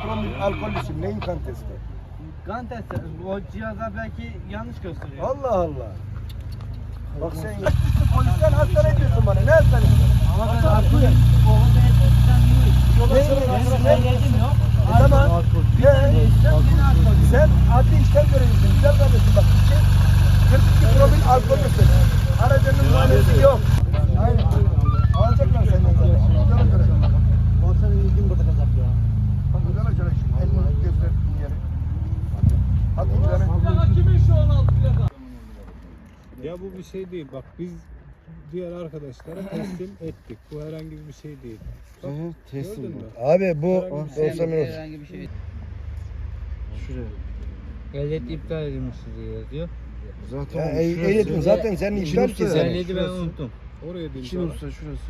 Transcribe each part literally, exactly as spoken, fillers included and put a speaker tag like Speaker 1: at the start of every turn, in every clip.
Speaker 1: promil alkollüsün. Neyin kan testi?
Speaker 2: Kan testi. O cihazlar belki yanlış gösteriyor.
Speaker 1: Allah Allah. Bak sen ya. Polisten hastane ediyorsun bana. Ne hastanesi?
Speaker 2: Ama ben haklıyım. Oğlum ehliyetinden değil.
Speaker 1: Ne?
Speaker 2: Ehliyetim yok.
Speaker 1: Tamam. Ne? Sen adli işlem görevlisin. Güzel kardeşim bak. kırk iki promil alkollüsün. Aracının numarası yok. Aynen. Alacaklar senden zaten. Güzel görelim.
Speaker 2: Borsanın ilgin burada kalacak ya.
Speaker 1: Güzel acele şimdi. Elini gözlerini yere. Hadi gidelim.
Speaker 3: Ya bu bir şey değil. Bak biz diğer arkadaşlara teslim ettik. Bu herhangi bir şey değil. Bak,
Speaker 4: teslim
Speaker 3: gördün mü?
Speaker 1: Abi bu
Speaker 3: Herhangi bir şey
Speaker 1: olsa ne olur?
Speaker 2: Herhangi bir şey.
Speaker 4: Şuraya.
Speaker 2: Ehliyet iptal edilmiş diye yazıyor.
Speaker 4: Zaten
Speaker 1: Ya,
Speaker 4: oğlum,
Speaker 1: eh-
Speaker 4: şurası.
Speaker 1: ehliyetin zaten senin
Speaker 4: İki
Speaker 1: iptal
Speaker 4: usta
Speaker 1: ki
Speaker 4: yani.
Speaker 1: sen.
Speaker 2: Ehliyeti ben
Speaker 4: Şurası.
Speaker 2: unuttum.
Speaker 3: Oraya değil.
Speaker 4: İki usta şurası.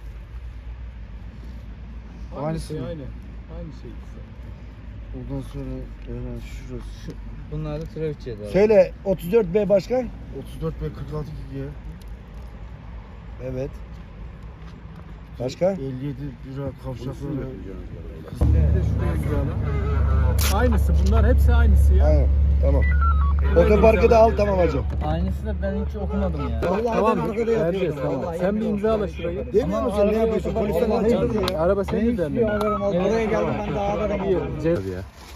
Speaker 3: Aynı
Speaker 4: Aynısı
Speaker 3: şey
Speaker 4: mı?
Speaker 3: aynı. Aynı şey işte.
Speaker 4: Ondan sonra hemen şurası.
Speaker 2: Bunlar da trafik cezası.
Speaker 1: Söyle otuz dört B başkan.
Speaker 4: otuz dört B kırk altı G.
Speaker 1: Evet. Başka?
Speaker 4: elli yedi lira kavşakları.
Speaker 3: Bir de şuraya imzala. Aynısı. Bunlar hepsi aynısı ya.
Speaker 1: Aynen. Tamam. Otoparkı da al tamam hacım.
Speaker 2: Aynısı da ben hiç okumadım ya.
Speaker 3: Tamam. Erciyes tamam. Sen bir imzala şurayı.
Speaker 1: Demiyor musun ne yapıyorsun? Polisten alacağım.
Speaker 3: Araba senin üzerinde.
Speaker 2: Oraya geldim ben de haberim oldu.
Speaker 3: Ya.